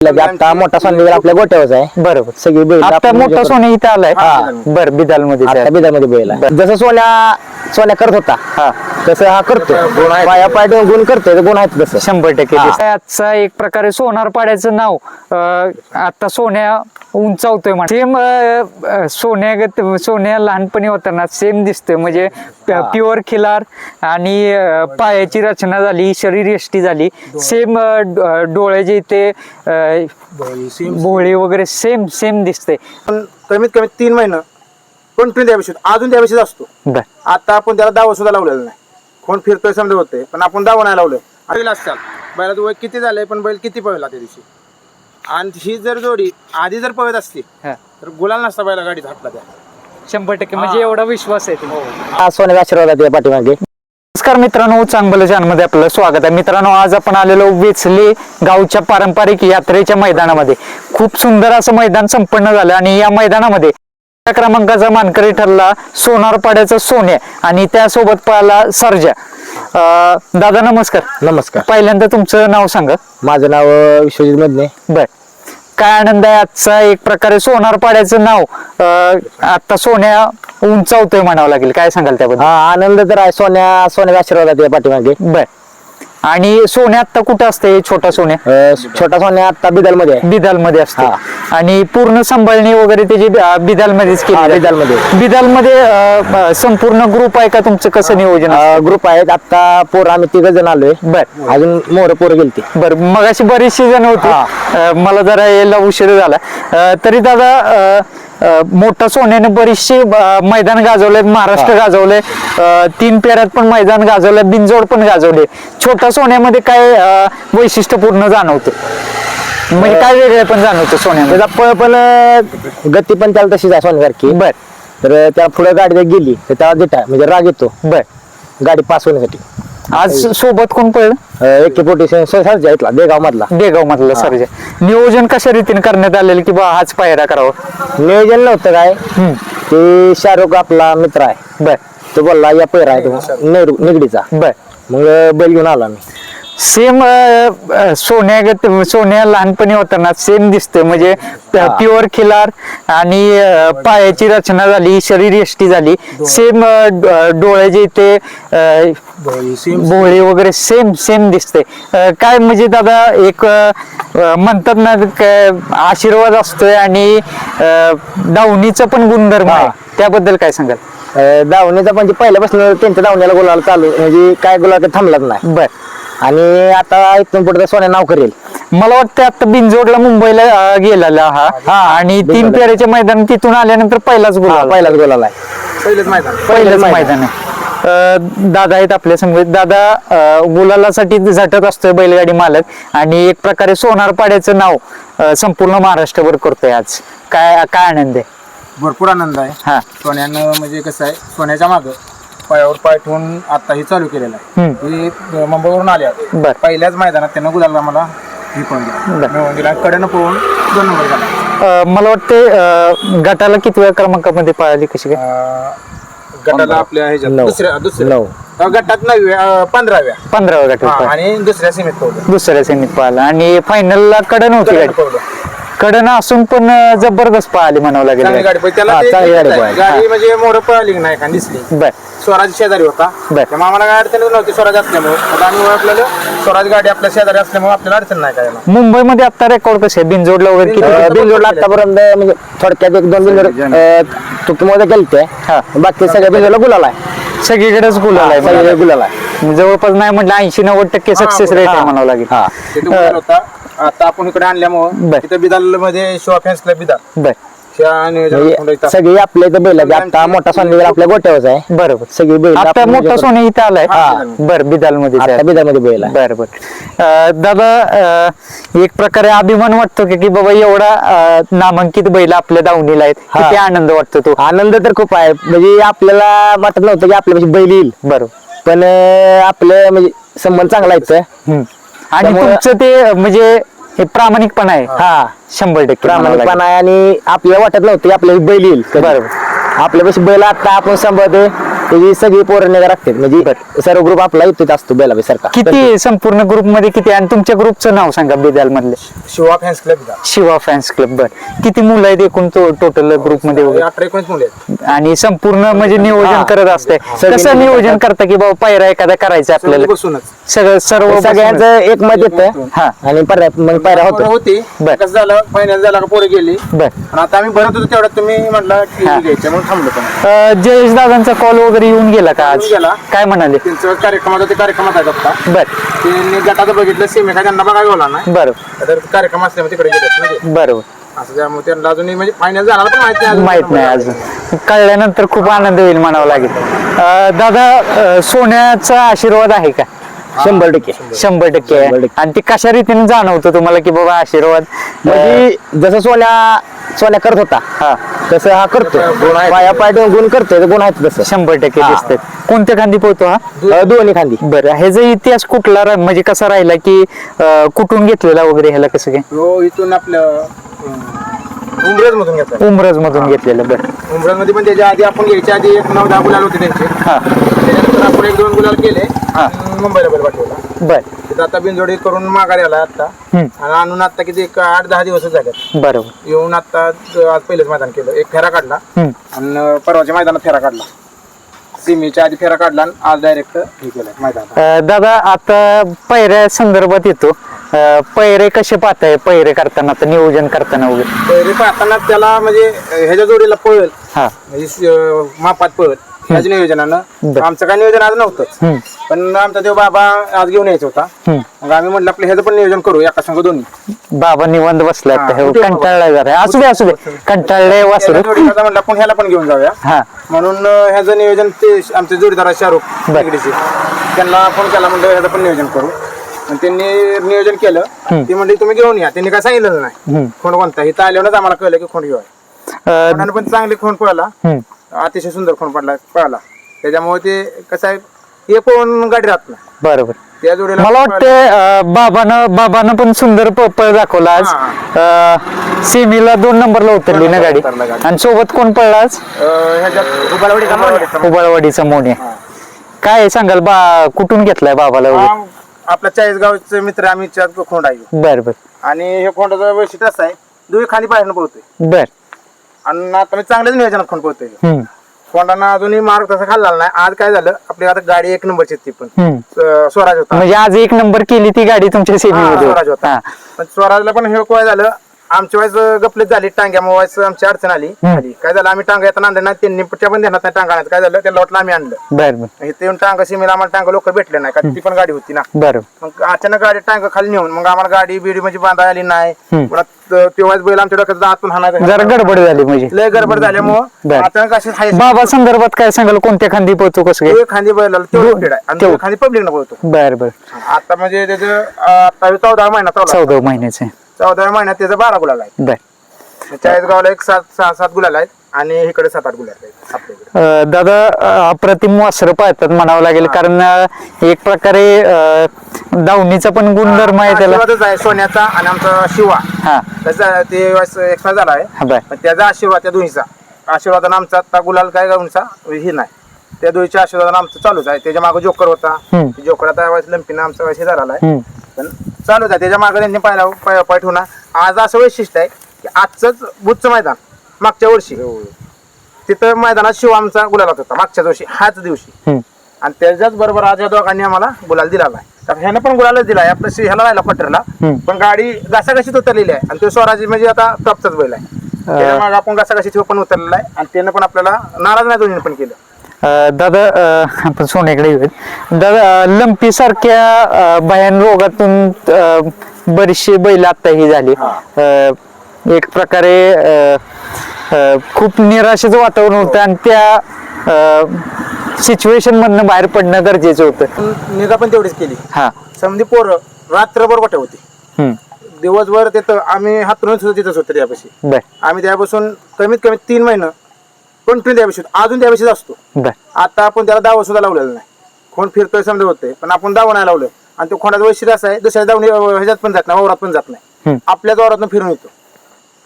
आता मोठा सोन्या आपल्या गोट्यावर आहे. बरोबर. सगळी बैल आता मोठा सोन्या इथे आलाय. बर, बिदाल मध्ये बिदामध्ये बैल आहे. जसं सोन्या करत होता तसं हा करतो. पाया पाय गुण करतोय, गुण आहेत तसं 100%. आजचा एक प्रकारे सोनार पाड्याचं नाव आता सोन्या उंचावतोय सेम सोन्या लहानपणी होताना सेम दिसतोय. म्हणजे प्युअर खिलार आणि पायाची रचना झाली, शरीर यष्टी झाली, सेम डोळ्याचे इथे भोळे वगैरे सेम सेम दिसते. कमीत कमी 3 महिने कंटिन्यू त्याविषयी अजून त्याविषयी असतो. आता आपण त्याला दावा सुद्धा लावलेला नाही. कोण फिरतोय समजा होते, पण आपण दावा नाही लावलं. असतात बैलाचं वय किती झालंय, पण बैल किती पळला त्या दिवशी. आणि ही जर जोडी आधी जर पळत असती तर गुलाल नसता बैला गाडीत हातला त्या 100%. म्हणजे एवढा विश्वास आहे. सोन्याचा आशीर्वाद आहे पाठीमागे. नमस्कार मित्रांनो, चांगलं चॅनलमध्ये आपलं स्वागत आहे. मित्रांनो, आज आपण आलेलो वेचले गावच्या पारंपरिक यात्रेच्या मैदानामध्ये. खूप सुंदर असं मैदान संपन्न झालं आणि या मैदानामध्ये क्रमांकाचा मानकरी ठरला सोनार पाड्याचा सोन्या आणि त्यासोबत पाहिला सर्जा. दादा नमस्कार. नमस्कार. पहिल्यांदा तुमचं नाव सांगा. माझं नाव विश्वजित मधने. बर, काय आनंद आहे आजचा एक प्रकारे सोनार पाड्याचं नाव आता सोन्या उंचावतोय म्हणावं लागेल. काय सांगाल त्याबद्दल? आनंद तर आहे. सोन्याचा आशीर्वाद आहे पाठीमागे. बर, आणि सोन्या आता कुठं असते? छोटा सोन्या छोटा सोन्या आता बिदाल मध्ये आहे. बिदाल मध्ये असतो आणि पूर्ण सांभाळणी वगैरे त्याची बिदाल मध्येच केली. बिदाल मध्ये संपूर्ण ग्रुप आहे का तुमचं? कसं नियोजन? ग्रुप आहेत. आता पोर आम्ही 3 जण आलोय. बर, अजून मोर पोर गेलती. बर, मग अशी बरीचशी जण होती. मला जरा यायला उशीर झाला. तरी दादा मोठा सोन्याने बरीचशी मैदान गाजवले, महाराष्ट्र गाजवले, 3 पेऱ्यात पण मैदान गाजवले, बिनजोड पण गाजवले. छोटा सोन्यामध्ये काय वैशिष्ट्यपूर्ण जाणवतं? म्हणजे काय वेगळे पण जाणवतं सोन्यामध्ये? त्याचा पळ पण गती पण त्याला तशीच आहे सोन्यासारखी. बर, तर त्या पुढे गाडी गेली तर त्याला देता म्हणजे राग येतो. बर, गाडी पास होण्यासाठी. आज सोबत कोण पळलं? एके सर्जा इथला देगाव मधला सर्जा. नियोजन कशा रीतीने करण्यात आलेलं की बा हाच पायरा करावा? नियोजन नव्हतं काय. ते शाहरुख आपला मित्र आहे. बर, तो बोलला या पैरा आहे तो निगडीचा. बर, मग बैल घेऊन आला मी. सेम सोन्या लहानपणी होताना सेम दिसतोय. म्हणजे प्युअर खिलार आणि पायाची रचना झाली, शरीर यष्टी झाली, सेम डोळ्याचे इथे भोळे वगैरे सेम सेम दिसते. काय म्हणजे दादा एक म्हणतात ना आशीर्वाद असतोय आणि दावणीचा पण गुणधर्म आहे, त्याबद्दल काय सांगाल? दावणीचा म्हणजे पहिल्यापासून त्यांच्या दावणीला गुलाल चालू, म्हणजे काय गुलाल थांबलाच नाही. बर, आणि आता इथून पुढे सोन्या नाव करेल. मला वाटतं आता बिनजोडला मुंबईला गेलेला हा आणि 3 पेऱ्याच्या मैदान तिथून आल्यानंतर पहिलाच गुलाल आहे. पहिलंच मैदान आहे. दादा आहेत आपल्या समोर. दादा गुलालासाठी झटत असतोय बैलगाडी मालक आणि एक प्रकारे सोनार पाड्याचं नाव संपूर्ण महाराष्ट्रभर करतोय. आज काय आनंद आहे? भरपूर आनंद आहे. सोन्यानं म्हणजे कसं आहे, सोन्याच्या मागं पायावर पाय ठेवून आता ही चालू केलेलं आहे. ही मुंबईवरून आल्या. पहिल्याच मैदानात त्यानं गुलाला मला ही पण दिला, कडेनं पळून 2 नंबर झाला. मला वाटते गटाला कितव्या क्रमांकामध्ये पळाली? कशी काय? गटाला आपल्या दुसऱ्या गटात 15व्या गटात आणि दुसऱ्या सेमीत पळाला आणि फायनलला कडन होती गाडी. कडन असून पण जबरदस्त पळाली म्हणावं लागेल. गाडी म्हणजे मोर पळाली नाही का दिसली. स्वराज शेजारी होता, त्यामुळे आम्हाला काय अडचण नव्हती स्वराज असल्यामुळे. आम्ही ओळखलेलं स्वराज गाडी आपल्या शेजारी असल्यामुळे आपल्याला अडचण नाही काय. मुंबईमध्ये आता रेकॉर्ड कसे बिनजोडला वगैरे बिनजोडला आतापर्यंत म्हणजे थोडक्यात 1-2 बिनजोड चुकीमध्ये गेलते. बाकी सगळ्या बिनजोडला गुलाल आहे. सगळीकडेच गुलाल आहे. सगळीकडे गुलाल आहे. जवळपास नाही म्हटलं 80-90% सक्सेस रेट आहे म्हणावं लागेल. आता आपण इकडे आणल्यामुळे तिथे बिदाल मध्ये शिवा फॅन्सला बिदाल सगळी आपल्या इथं बैल. आता मोठा सोन्या आपल्या गोट्यावर आहे. बरोबर, सगळी बैल. आता मोठा सोन्या इथे आलाय. बर, बिदाल मध्ये बैल आहे. बरोबर. दादा एक प्रकारे अभिमान वाटतो की बाबा एवढा नामांकित बैल आपल्या दावणीला आहेत. किती आनंद वाटतो? तो आनंद तर खूप आहे. म्हणजे आपल्याला वाटत नव्हतं की आपल्यापाशी बैल येईल. बरोबर, पण आपलं म्हणजे संबंध चांगला आहे. आणि तुमचं ते म्हणजे हे प्रामाणिकपणा आहे. 100% प्रामाणिकपणा आहे. आणि आपल्याला वाटत नव्हतं की आपल्याला बैल येईल. बरोबर, आपल्यापाशी बैल आता आपण सांभाळतोय. त्याची सगळी पोरं निगा राखतात म्हणजे सर्व ग्रुप आपला इथेच असतो बेलाबी सारखा. किती संपूर्ण ग्रुप मध्ये किती, आणि तुमच्या ग्रुपचं नाव सांगा बेदाल मधले? Shiva fans club Shiva fans club. बर, किती मुलं आहेत एकूण टोटल ग्रुप मध्ये वगैरे? 18-19 मुले आहेत. आणि संपूर्ण म्हणजे नियोजन करत असते, कसं नियोजन करता की बाबा पायरा एखादा करायचा आपल्याला? बसूनच सगळं सर्व सगळ्यांचं एक मत येतं. हा. आणि मग पायरा होतो. होती बर. कसं झालं, फायनल झाला का पोरं गेली बर. आणि आता आम्ही भरत होतो तेवढ्यात तुम्ही म्हटलं की घ्यायचं म्हणून थांबलो. पण जयेश दादांचा कॉल वगैरे येऊन गेला का आज? येऊन गेला. काय म्हणाले? त्यांचं कार्यक्रमाचा ते कार्यक्रमात आहेत आता. बर त्यांनी गटाचं बघितलं, सेमी काय त्यांना बघायला बोला नाही, बरोबर तर कार्यक्रम असल्यामुळे तिकडे गेले म्हणजे बरोबर. असं त्यामुळे त्यांना अजूनही म्हणजे फायनल झाला पण माहिती नाही. माहित नाही अजून, कळल्यानंतर खूप आनंद होईल म्हणावं लागेल. दादा, सोन्याचा आशीर्वाद आहे का? 100%. 100% आहे. 100%. आणि ते कशा रीतीने जाणवतं तुम्हाला की बाबा आशीर्वाद? म्हणजे जसं सोन्या करत होता हा, तसं हा करतो. पाया पाय गुण करतोय, गुण आहेत तसं 100% हा. दिसतात. कोणत्या खांदी पोहतो हा? दोन्ही खांदी. बरं, ह्याचा इतिहास कुठला म्हणजे कसा राहिला की कुठून घेतलेला वगैरे, ह्याला कसं काय? हो, इथून आपलं उमरज मधून घेतलं. उमरज मधून घेतलेलं. बरं. उमरज मध्ये पण त्याच्या आधी आपण घ्यायच्या आधी 9-10 गुलाल होते त्यांचे. हा. त्याच्यानंतर आपण 1-2 गुलाल केले हा. आणि मुंबईला बैल पाठवला. बर. तिथं आता बिनजोडी करून माघारी आला आता. आणि आणून आता किती 8-10 दिवसच झाले बरोबर. येऊन. आता आज पहिलेच मैदान केलं, एक फेरा काढला आणि परवाच्या मैदानात फेरा काढला, सिमीच्या आधी फेरा काढला आणि आज डायरेक्ट हे केलं मैदान. दादा, आता पैऱ्या संदर्भात येतो. पैरे कसे पाहताय पैरे करताना, आता नियोजन करताना वगैरे? पहिले पाहताना त्याला म्हणजे ह्याच्या जोडीला पळेल, हा. म्हणजे मापात पळेल ह्याच नियोजनानं. आमचं काय नियोजन आज नव्हतंच, पण आमचा तो बाबा आज घेऊन यायचा होता. मग आम्ही म्हटलं आपलं ह्याचं पण नियोजन करू एका संघ दोन्ही. बाबा निवांत बसलाय, हा, कंटाळलाय जरा. असू दे असू दे, कंटाळले वासरू. म्हटलं आपण ह्याला पण घेऊन जाऊया. हा. म्हणून ह्याचं नियोजन ते आमचे जोडीदार शाहरुख बेगडीचे, त्यांना फोन केला, म्हणलं ह्याचं पण नियोजन करू. आणि त्यांनी नियोजन केलं. ती म्हणली तुम्ही घेऊन या. त्यांनी काय सांगितलं नाही खोंड कोणता. इथं आल्यावरच आम्हाला कळलं की खोंड घेऊया. कोणाने पण चांगली खोंड पळाला, अतिशय सुंदर खोंड पळाला. त्याच्यामुळे ते कसं आहे, हे पण गाडी राहत नाही. बरोबर. त्या जोडीला मला वाटतं बाबानं पण सुंदर पळ दाखवला आज. सेमीला 2 नंबरला उतरली ना गाडी. आणि सोबत कोण पळला आज? ह्याच्यात उबाळवाडीचा मोने. काय सांगाल कुठून घेतलाय बाबाला वगैरे? आपल्या 40 गावचे मित्र आम्ही 4 खोंड आहे. बर बर. आणि हे खोंडाचं वैशिष्ट्य असं आहे, दुई खाली बाहेरनं पळतोय. बर. आणि आता मी चांगल्याच नियोजनात खोंड पळतोय. खोंडांना अजूनही मार्ग तसा खाल्ला नाही. आज काय झालं, आपली आता गाडी 1 नंबरची ती पण स्वराज होता. म्हणजे आज 1 नंबर केली ती गाडी तुमच्या सेमीमध्ये? स्वराज होता. पण स्वराजला पण हे काय झालं, आमची वाईस गपलीत झाली, टांग्यामुळे वाईस आमची अडचण आली. काय झालं, आम्ही टांगा येताना आणलं नाही, त्यांनी त्या पण देणार नाही टांगा. काय झालं, त्याला वाटलं आम्ही आणलं. बर बर. इथे येऊन टांगा सीमेला आम्हाला टांगा लोक भेटले नाही, का ती पण गाडी होती ना. बर. मग अचानक गाडी टांगा खाली नेऊन मग आम्हाला गाडी बिडी म्हणजे बांधा आली नाही. तेव्हाच बैल आमच्या डोक्यात आतून हाणायचा, जरा गडबड झाली म्हणजे. लय गडबड झाल्यामुळं अचानक अशी बाबा संदर्भात काय सांगाल, कोणत्या खांदी पोहतो, कसं काय? खांदी बैलाला तेवढं स्पीड आहे आणि खांदी पब्लिक न बोलतो. बर बर. आता म्हणजे त्याचं आता 14 महिना चालू. 14 महिन्याचे. 14 महिन्यात त्याचा 12 गुलाल आहे. बर. 40 गावाला 6-7 गुलाल आहेत आणि इकडे 7-8 गुलाल आहेत आपल्याकडे. दादा, अप्रतिम वासरं पाहतात म्हणावं लागेल, कारण एक प्रकारे दावणीचा पण गुणधर्म आहे त्याला. आशीर्वादच आहे सोन्याचा आणि आमचा शिवा. हा. त्याचा ते एक्सपायर झाला आहे, बर. पण त्याचा आशीर्वाद, त्या दोन्हीचा आशीर्वादानं आमचा आता गुलाल काय गावचा हे नाही. त्या दोन्हीच्या आशीर्वादानं आमचं चालूच आहे. त्याच्या मागे जोकर होता, जोकर आता लंपीनं आमचा वैसे झाला आहे, पण चालूच आहे. त्याच्या मागे त्यांनी पाय ठेवणार. आज असं वैशिष्ट्य आहे की आजच बुधचं मैदान मागच्या वर्षी तिथं मैदानात शिव आमचा गुलाल होता मागच्या दिवशी, हाच दिवशी. आणि त्याच्याच बरोबर आज या दोघांनी आम्हाला गुलाल दिला आहे. तर ह्यानं पण गुलालच दिलाय आपलं, ह्याला राहिला पटरला, पण गाडी घासाघशीत उतरलेली आहे. आणि तो स्वराजी म्हणजे आता टॉपचाच बैल आहे. त्याच्यामुळे आपण घासाघशीत पण उतरलेला आहे आणि त्यानं पण आपल्याला नाराज नाही दोन्ही पण केलं. दादा, आपण सोन्याकडे येऊयात. दादा, लंपी सारख्या भयान रोगातून बरीचशी बैल आता ही झाली. एक प्रकारे खूप निराशेचं वातावरण होतं आणि त्या सिच्युएशन मधनं बाहेर पडणं गरजेचं होतं. निगा पण तेवढीच केली. हा. समधी पोरं रात्रभर गोठ्या होती, दिवसभर तिथं आम्ही हातरून सुद्धा तिथंच होतो. त्यापाशी आम्ही त्यापासून कमीत कमी 3 महिने कंटिन्यू त्यापाशी, अजून त्यापाशीच असतो. आता आपण त्याला दावा सुद्धा लावलेला नाही. खोंड फिरतोय समजा होते, पण आपण दावा नाही लावलं. आणि तो खोंडाचं वैशिष्ट्य असं आहे, दुसऱ्या दावणी ह्याच्यात पण जात नाही, वावरात पण जात नाही, आपल्याच वावरातून फिरून येतो.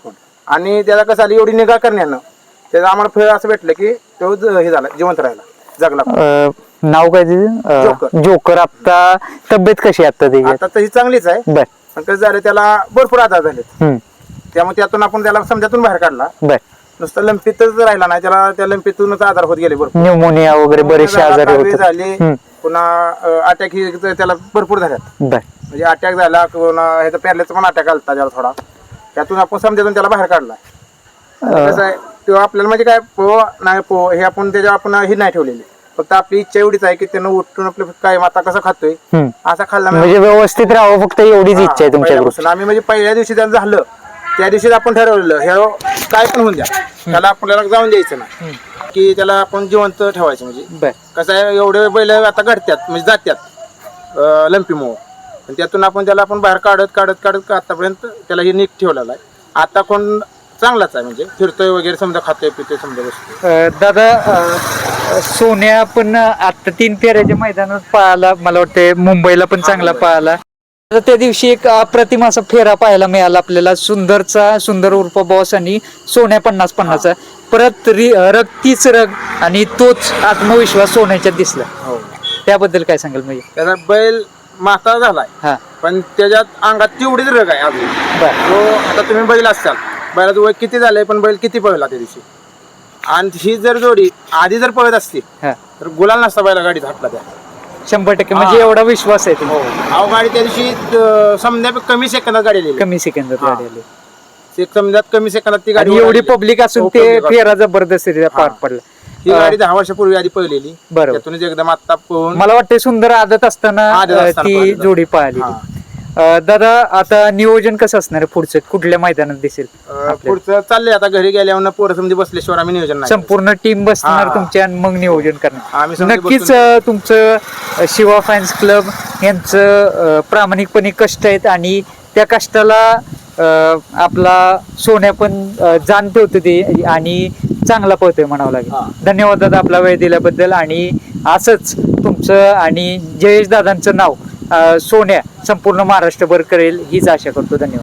आणि त्याला कसं आली एवढी निगा करण्यानं त्याचं आम्हाला फळ असं भेटलं की तो हे झाला, जिवंत राहिला. जगला. नाव काय जोकर. तिचं जोकर. आता तब्येत कशी आहे आता त्याची? आता तशी चांगलीच आहे, बर. पण कसं झालं त्याला भरपूर आजार झालेत. हम्म. त्यामुळे त्यातून आपण त्याला समजातून बाहेर काढला. बर. नुसतं लंपीतच राहिला नाही, त्याला त्या लंपीतूनच आजार होत गेले भरपूर. न्यूमोनिया वगैरे बरेचसे आजार कावीळ होतात. झाले, हम्म. पुन्हा अटॅक ही त्याला भरपूर झाल्यात. बर. म्हणजे अटॅक झाला, पुन्हा ह्याचा पॅरलेचा पण अटॅक आलता त्याला थोडा. त्यातून आपण समजातून त्याला बाहेर काढला. कसं आहे तेव्हा आपल्याला म्हणजे काय नाही हे आपण त्याच्या आपण ही नाही ठेवलेली, फक्त आपली इच्छा एवढीच आहे की त्यानं उठून आपलं काय आता कसं खातोय हम्म. असा खाल्ला म्हणजे व्यवस्थित राहावं फक्त एवढीच इच्छा आहे तुमच्या पहिल्यापासून. आम्ही म्हणजे पहिल्या दिवशी त्यानं झालं त्या दिवशीच आपण ठरवलेलं हे काय पण होऊन द्या, त्याला आपल्याला जाऊन द्यायचं ना, की त्याला आपण जिवंत ठेवायचं. म्हणजे बर. कसं आहे एवढे बैल आता घडत्यात म्हणजे जात्यात लंपीमुळं, पण त्यातून आपण त्याला आपण बाहेर काढत काढत काढत आतापर्यंत त्याला हे नीट ठेवलेला आहे. आता कोण चांगलाच आहे, म्हणजे फिरतोय वगैरे समजा, खातोय पितोय समजा बसतोय. दादा सोन्या पण आता 3 फेऱ्याच्या मैदानात पळाला, मला वाटतं मुंबईला पण चांगला पळाला. तर त्या दिवशी एक अप्रतिम असा फेरा पाहायला मिळाला आपल्याला, सुंदर उर्फ बॉस आणि सोन्या 50-50. परत रग तीच रग आणि तोच आत्मविश्वास सोन्याच्यात दिसला. हो, त्याबद्दल काय सांगाल? म्हणजे त्याचा बैल म्हातारा झालाय, हा. पण त्याच्यात अंगात तेवढीच रग आहे अजून. बर. तो आता तुम्ही बैल असाल, बैलाचं वय किती झालंय पण बैल किती पळला त्या दिवशी. आणि ही जर जोडी आधी जर पळत असती हा. तर गुलाल नसता बैला गाडीत हातला त्या. 100% म्हणजे एवढा विश्वास आहे तुम्ही? अहो गाडी त्या दिवशी समजा कमी सेकंदात गाडी आलेली. कमी सेकंदात हा. गाडी आली. समजात कमी सेकंदात ती गाडी आणि एवढी आलेली. पब्लिक असून हो, ते public फेरा जबरदस्तीने पार पडला. ही गाडी 10 वर्षापूर्वी आधी पळलेली, बरोबर. त्यातूनच एकदम आता पळून मला वाटतं सुंदर आदत असताना ती पळाली. जोडी पाहिली. दादा आता नियोजन कसं असणार आहे पुढचं? कुठल्या मैदानात दिसेल? पुढचं चाललंय आता घरी गेल्यावर पोरं समजी बसल्याशिवाय आम्ही नियोजन नाही. संपूर्ण टीम बसणार हा. तुमच्या आणि मग नियोजन करणार. आम्ही समजी नक्कीच तुमचं शिवा फॅन्स क्लब यांचं प्रामाणिकपणे कष्ट आहेत आणि त्या कष्टाला आपला सोन्या पण जाण ठेवतो ते आणि चांगला पळतोय म्हणावं लागेल. धन्यवाद दादा आपला वेळ दिल्याबद्दल. आणि असंच तुमचं आणि जयेश दादांचं नाव सोन्या संपूर्ण महाराष्ट्रभर करेल हीच आशा करतो. धन्यवाद.